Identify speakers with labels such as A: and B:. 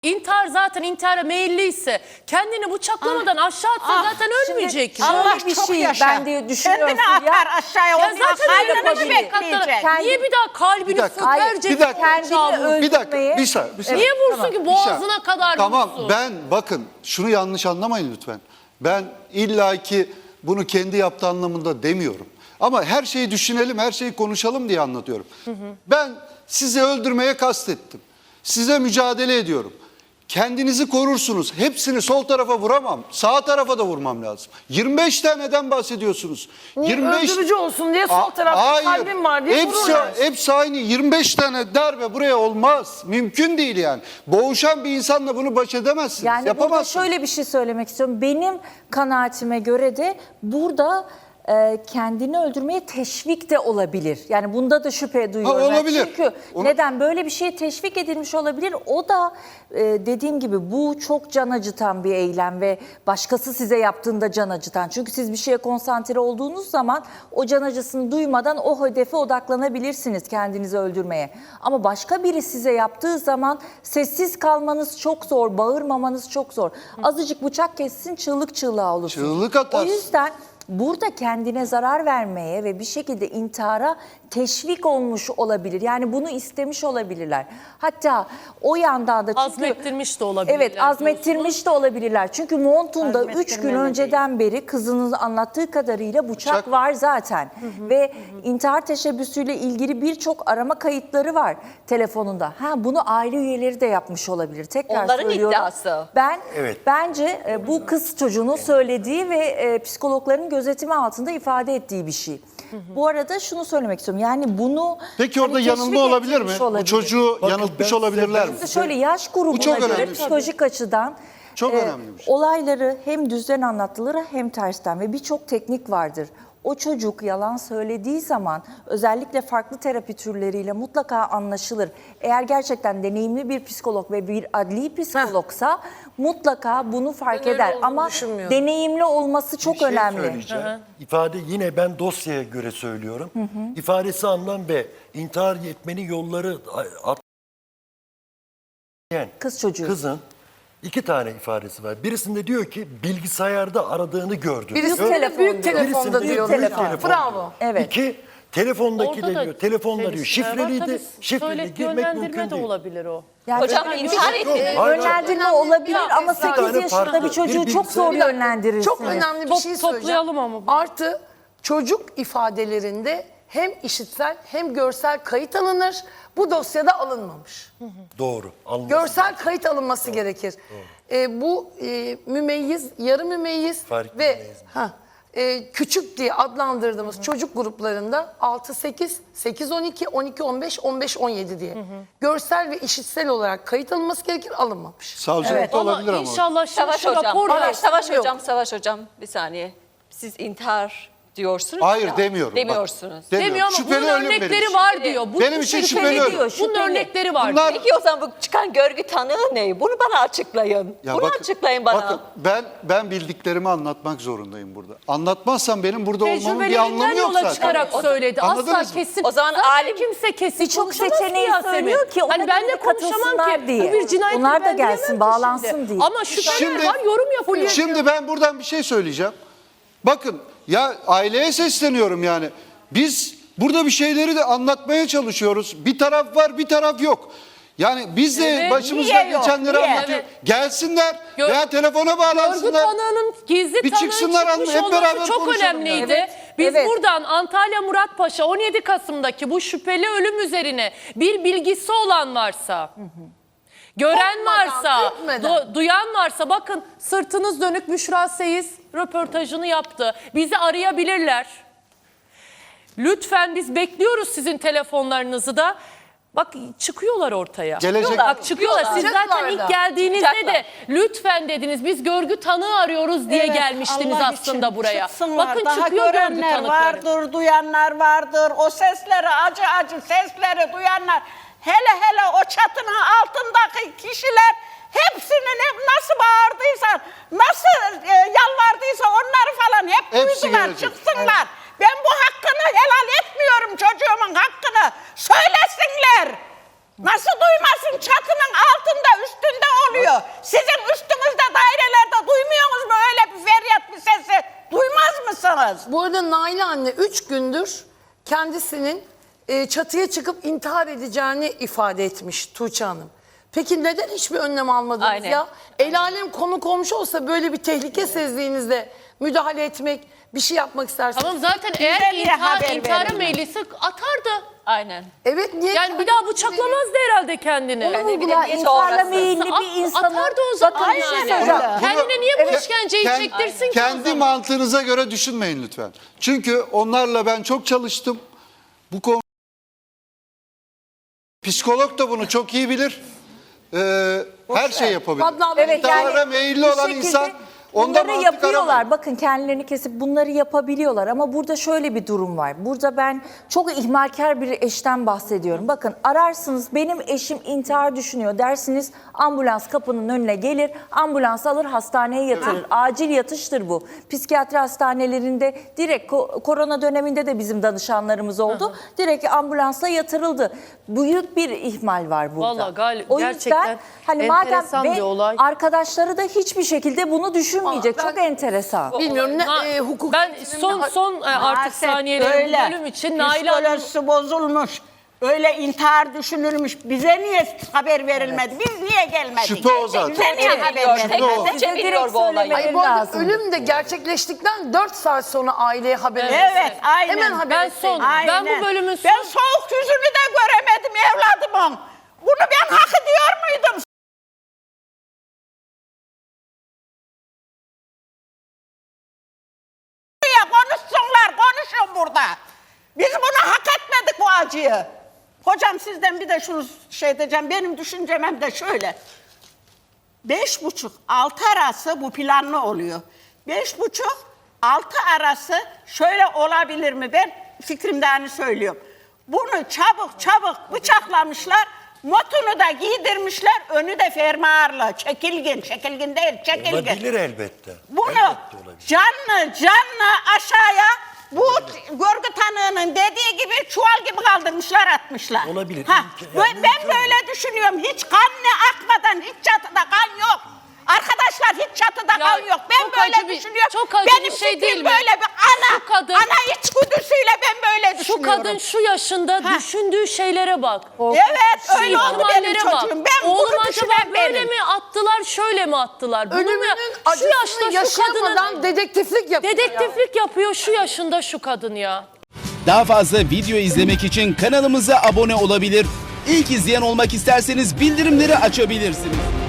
A: İntihar zaten intihara meyilliyse kendini bıçaklamadan aşağı atsa zaten ölmeyecek.
B: Allah
C: bir
B: çok
C: şey
B: yaşa.
C: ben diye düşünüyorum
B: Kendini
C: ya.
B: atar aşağıya.
A: Ya
B: Onu
A: zaten
B: kalbini
A: öyle
B: mi
A: bir
B: bekleyecek?
A: Niye bir daha kalbini
D: Bir dakika.
A: sökerce
D: Bir dakika.
C: Kendini öldürmeye.
D: Bir dakika. Bir saniye.
A: Niye vursun ki boğazına kadar
D: Tamam
A: vursun?
D: ben bakın şunu yanlış anlamayın lütfen. Ben illaki bunu kendi yaptığı anlamında demiyorum. Ama her şeyi düşünelim, her şeyi konuşalım diye anlatıyorum. Ben sizi öldürmeye kastettim. Size mücadele ediyorum. Kendinizi korursunuz. Hepsini sol tarafa vuramam. Sağ tarafa da vurmam lazım. 25 taneden bahsediyorsunuz.
E: Niye öldürücü olsun diye sol tarafta kalbim var diye vururlar.
D: Hepsi aynı. 25 tane darbe buraya olmaz. Mümkün değil yani. Boğuşan bir insanla bunu baş edemezsiniz.
C: Yani burada
D: yapamazsınız.
C: şöyle bir şey söylemek istiyorum. Benim kanaatime göre de burada kendini öldürmeye teşvik de olabilir. Yani bunda da şüphe duyuyorum. Yani
D: olabilir.
C: çünkü neden böyle bir şeye teşvik edilmiş olabilir? O da dediğim gibi bu çok can acıtan bir eylem ve başkası size yaptığında can acıtan. Çünkü siz bir şeye konsantre olduğunuz zaman o can acısını duymadan o hedefe odaklanabilirsiniz kendinizi öldürmeye. Ama başka biri size yaptığı zaman sessiz kalmanız çok zor, bağırmamanız çok zor. Azıcık bıçak kessin çığlık çığlığa olursunuz.
D: Çığlık atarsın.
C: O yüzden burada kendine zarar vermeye ve bir şekilde intihara teşvik olmuş olabilir. Yani bunu istemiş olabilirler. Hatta o yandan da çünkü...
A: Azmettirmiş de olabilirler.
C: Evet, azmettirmiş de olabilirler. Çünkü montunda 3 gün
B: Azmettirmeme
C: önceden beri kızının anlattığı kadarıyla bıçak var zaten. Ve intihar teşebbüsüyle ilgili birçok arama kayıtları var telefonunda. Bunu aile üyeleri de yapmış olabilir. Tekrar
F: Onların
C: söylüyorum.
F: iddiası.
C: Bence bu kız çocuğunun söylediği ve psikologların gözetimi altında ifade ettiği bir şey. Bu arada şunu söylemek istiyorum. Yani bunu
D: Peki orada
C: teşvik
D: yanılma olabilir mi?
C: ettirmiş
D: Bu
C: olabilir.
D: çocuğu
G: Bakın
D: yanıltmış
B: ben
D: olabilirler mi?
C: Şimdi şöyle yaş
D: Bu
C: grubuna
D: çok
C: göre
D: önemli.
C: psikolojik açıdan
D: Çok önemli bir şey.
C: olayları hem düzden anlatılır hem tersten ve birçok teknik vardır. O çocuk yalan söylediği zaman özellikle farklı terapi türleriyle mutlaka anlaşılır. Eğer gerçekten deneyimli bir psikolog ve bir adli psikologsa mutlaka bunu fark
E: Ben öyle
C: eder.
E: olduğunu
C: Ama
E: düşünmüyorum.
C: deneyimli olması çok
H: Bir şey
C: önemli.
H: söyleyeceğim. İfade yine ben dosyaya göre söylüyorum. İfadesi alınan ve intihar etmenin yolları
C: Kız çocuğu.
H: kızın 2 tane ifadesi var. Birisinde diyor ki bilgisayarda aradığını gördüm.
E: Birisinde
C: telefon
E: büyük
C: diyor.
E: telefonda
H: Birisinde
E: diyor.
H: büyük
C: telefon.
H: telefon
E: Bravo.
H: diyor.
C: Evet.
H: 2 telefondaki
A: Orada
H: de
A: da
H: diyor. Telefonla diyor.
A: çelişkiler var.
H: Şifreliydi.
A: Tabii
H: Şifreli
A: söyle-
H: girmek
A: yönlendirme
H: mümkün
A: de
H: değil.
A: olabilir o.
C: Yani
F: Hocam
C: öyle-
F: intihar etti.
C: Yönlendirme olabilir ama 8
H: tane
C: yaşında
H: farklı.
C: bir çocuğu
H: Bir
C: çok zor
E: Bir dakika,
C: yönlendirirsiniz.
E: Çok önemli bir şey söyleyeceğim.
A: Toplayalım ama.
E: Artı çocuk ifadelerinde hem işitsel hem görsel kayıt alınır. Bu dosyada alınmamış.
H: Doğru. Alınması
E: Görsel kayıt alınması gerekir. Bu mümeyyiz, yarı mümeyyiz
H: Fark
E: ve
H: mümeyyiz.
E: küçük diye adlandırdığımız çocuk gruplarında 6-8, 8-12, 12-15, 15-17 diye. Görsel ve işitsel olarak kayıt alınması gerekir, alınmamış.
D: Savcılıkta olabilir ama.
A: İnşallah şimdi
F: Savaş
A: şu
F: hocam.
A: rapor
F: Savaş hocam bir saniye. Siz intihar diyorsunuz
D: Hayır
F: ya.
D: demiyorum.
F: Demiyorsunuz.
A: demiyor ama
D: Şüpheli
A: bunun
D: ölüm benim
A: örnekleri
D: için.
A: var diyor. Bu
D: Benim için şüpheli ölüm.
C: diyor,
A: Bunun
C: şüpheli.
A: örnekleri var.
D: Bunlar-
F: Peki o zaman bu çıkan görgü tanığı ne? Bunu bana açıklayın.
D: Ya
F: Bunu açıklayın bana.
D: Bakın ben bildiklerimi anlatmak zorundayım burada. Anlatmazsam benim burada olmamın bir anlamı
A: Tecrübelerinden
D: yok
A: yola
D: zaten.
A: çıkarak söyledi. Asla
D: Anladınız mı?
A: kesin.
F: O zaman
A: Zaten
F: alim-
A: kimse kesin
C: Birçok
A: konuşamaz
C: seçeneği
A: Yasemin.
C: söylüyor ki ona
A: Hani ben de
C: göre
A: konuşamam
C: katılsınlar
A: ki.
C: diye.
A: Bu bir cinayet.
C: Onlar da
A: ben diyemem
C: gelsin,
A: ki
C: bağlansın
A: şimdi.
C: diye.
A: Ama şüpheler var, yorum yapılıyor.
D: Şimdi ben buradan bir şey söyleyeceğim. Bakın ya aileye sesleniyorum yani. Biz burada bir şeyleri de anlatmaya çalışıyoruz. Bir taraf var, bir taraf yok. Yani biz de
A: Evet.
D: başımızdan
B: Niye yok?
D: geçenleri
B: Niye?
D: anlatıyoruz. Gelsinler
A: Gör-
D: veya telefona
A: Görgü
D: bağlansınlar.
A: tanığının gizli
D: Bir
A: tanığın
D: çıksınlar,
A: çıkmış
D: hep beraber
A: olması çok
D: konuşalım
A: önemliydi.
C: yani.
A: Biz
C: Evet.
A: buradan Antalya Muratpaşa 17 Kasım'daki bu şüpheli ölüm üzerine bir bilgisi olan varsa, gören
E: Korkmadan,
A: varsa,
E: ürkmeden.
A: duyan varsa bakın sırtınız dönük Büşra Seyiz röportajını yaptı. Bizi arayabilirler. Lütfen biz bekliyoruz sizin telefonlarınızı da. Bak çıkıyorlar ortaya.
D: Gelecek-
A: Bak çıkıyorlar. Siz zaten
E: Çıkacaklar
A: ilk
E: da.
A: geldiğinizde
F: Çıkacaklar.
A: de lütfen dediniz biz görgü tanığı arıyoruz diye
B: Evet,
A: gelmiştiniz
B: Allah
A: aslında
B: için
A: buraya.
B: çıksınlar.
A: Bakın
B: Daha
A: çıkıyor görgü
B: görenler
A: tanıkları.
B: vardır, duyanlar vardır. O sesleri, acı acı sesleri duyanlar. Hele hele o çatının altındaki kişiler hepsinin nasıl bağırdıysa, nasıl yalvardıysa onları falan hep
D: Hepsi
B: duydular,
D: gelecek.
B: çıksınlar. Ben bu hakkını helal etmiyorum, çocuğumun hakkını. Söylesinler. Nasıl duymasın? Çatının altında, üstünde oluyor. Sizin üstünüzde dairelerde duymuyorsunuz mu öyle bir feryat bir sesi? Duymaz mısınız?
E: Bu arada Naile anne 3 gündür kendisinin çatıya çıkıp intihar edeceğini ifade etmiş Tuğçe Hanım. Peki neden hiçbir önlem almadınız
F: Aynen.
E: ya? El alem konu komşu olsa böyle bir tehlike sezdiğinizde müdahale etmek, bir şey yapmak istersiniz.
A: Tamam zaten eğer
B: Bize niye haber
A: intihara
B: verilmez?
A: meyilliyse atardı.
F: Aynen.
E: Evet niye?
A: Yani bir daha bıçaklamazdı herhalde kendini.
C: Onu
F: ne bileyim,
C: vurgular,
F: niye
C: intiharla
F: sonrası?
C: meyilli bir insanı.
A: Atardı o zaman
C: Bakın bir şey
A: yani.
C: söyleyeceğim.
A: Kendine niye bu işkenceyi çektirsin ki o
D: Kendi
A: zaman?
D: mantığınıza göre düşünmeyin lütfen. Çünkü onlarla ben çok çalıştım. Bu konu psikolog da bunu çok iyi bilir. Her şey yapabilir.
E: Adnan Bey,
C: Evet,
D: İntihara meyilli
C: bir
D: olan
C: şekilde
D: insan ondan
C: bunları
D: mantık
C: yapıyorlar.
D: aramayın.
C: Bakın kendilerini kesip bunları yapabiliyorlar ama burada şöyle bir durum var. Burada ben çok ihmalkar bir eşten bahsediyorum. Bakın ararsınız benim eşim intihar düşünüyor dersiniz ambulans kapının önüne gelir ambulans alır hastaneye yatırır. Acil yatıştır bu. Psikiyatri hastanelerinde direkt korona döneminde de bizim danışanlarımız oldu. Direkt ambulansla yatırıldı. Büyük bir ihmal var burada.
A: Vallahi
C: O
A: gerçekten
C: yüzden hani madem
A: enteresan bir olay.
C: arkadaşları da hiçbir şekilde bunu düşünmeyecek.
E: Ben-
C: Çok enteresan.
E: Bilmiyorum
A: Na-
E: ne hukuk.
A: Ben son artık
B: Maalesef
A: saniyeleri
B: öyle.
A: bölüm için Nail Hanım
B: Psikolojisi bozulmuş. Öyle intihar düşünülmüş. Bize niye haber verilmedi? Biz niye gelmedik?
D: Şüphe o zaten.
B: Bize niye haber
F: Biliyor,
B: verilmedi?
F: tek
C: Bize
F: biliyor
C: direkt
F: bu olayı.
C: söylemeleri
E: Ay bu arada
C: lazım.
E: ölüm de gerçekleştikten 4 saat sonra aileye haber
B: Evet, aynen.
E: Hemen haber
A: Ben
E: etseydin.
A: son- Ben bu bölümün
B: Ben soğuk yüzünü de göremedim evladımın. Bunu ben hak ediyor muydum? Konuşsunlar, konuşun burada. Biz bunu hak etmedik bu acıyı. Hocam sizden bir de şunu şey diyeceğim. Benim düşüncem hem de şöyle. 5,5-6 arası bu planlı oluyor. 5,5-6 arası şöyle olabilir mi? Ben fikrimden söylüyorum. Bunu çabuk bıçaklamışlar. Motunu da giydirmişler. Önü de fermuarlı. Çekilgin değil, çekilgin.
H: Olabilir elbette.
B: Bunu
H: Elbette olabilir.
B: canlı aşağıya bu görgü tanığının dediği gibi çuval gibi kaldırmışlar atmışlar.
H: Olabilir.
B: Ha,
H: Yani
B: ben böyle düşünüyorum. Hiç kan ne akmadan hiç çatıda kan yok. Arkadaşlar hiç çatıda kan yok. Ben
A: çok
B: böyle
A: acı bir-
B: düşünüyorum.
A: çok acı
B: Benim
A: bir şey
B: fikrim
A: değil mi?
B: böyle bir ana,
A: Şu kadın-
B: ana içgüdüsüyle ben böyle
A: şu
B: düşünüyorum.
A: kadın şu yaşında düşündüğü şeylere bak.
B: Evet öyle oldu benim
A: ihtimallere bak.
B: çocuğum. Ben
A: Oğlum
B: bunu
A: acaba
B: düşünen
A: böyle
B: benim.
A: mi attılar, şöyle mi attılar? Bunu mu
E: Ölümünün
A: şu
E: acısını
A: yaşta şu
E: yaşayamadan
A: kadının
E: dedektiflik yapıyor.
A: dedektiflik yapıyor şu yaşında şu kadın ya.
I: Daha fazla video izlemek için kanalımıza abone olabilir. İlk izleyen olmak isterseniz bildirimleri açabilirsiniz.